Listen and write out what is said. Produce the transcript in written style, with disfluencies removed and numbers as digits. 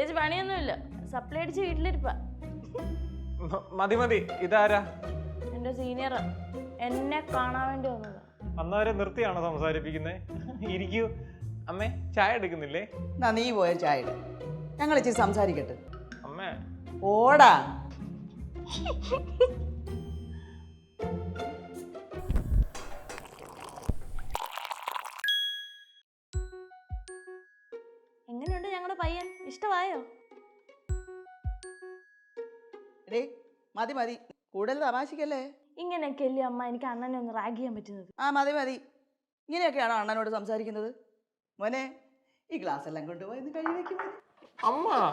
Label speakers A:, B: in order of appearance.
A: പ്രത്യേകിച്ച് പണിയൊന്നുമില്ല. സപ്ലൈ അടിച്ച് വീട്ടിലിരിപ്പാ.
B: മതി മതി. ഇതാരാ?
A: എന്റെ സീനിയറാ. എന്നെ കാണാൻ വേണ്ടി വന്നതാ.
B: അന്നവരെ നിർത്തിയാണോ സംസാരിപ്പിക്കുന്നേ? ഇരിക്കൂ. അമ്മേ ചായ എടുക്കുന്നില്ലേ?
C: എന്നാ നീ പോയ ചായ ഇട്. ഞങ്ങൾ ഇച്ചിരി സംസാരിക്കട്ടെ.
B: അമ്മേ
C: ഓടാ.
A: എങ്ങനെയുണ്ട് ഞങ്ങളുടെ പയ്യൻ? ഇഷ്ടമായോ?
C: എടേ മതി മതി, കൂടുതൽ തമാശിക്കല്ലേ.
A: ഇങ്ങനെയൊക്കെ അല്ലേ അമ്മ എനിക്ക് അണ്ണനെ ഒന്ന് റാഗ് ചെയ്യാൻ പറ്റുന്നത്?
C: ആ മതി മതി. ഇങ്ങനെയൊക്കെയാണോ അണ്ണനോട് സംസാരിക്കുന്നത്? മോനെ ഈ ഗ്ലാസ് എല്ലാം കൊണ്ടുപോയി കഴുകി വെക്കും.
B: അമ്മ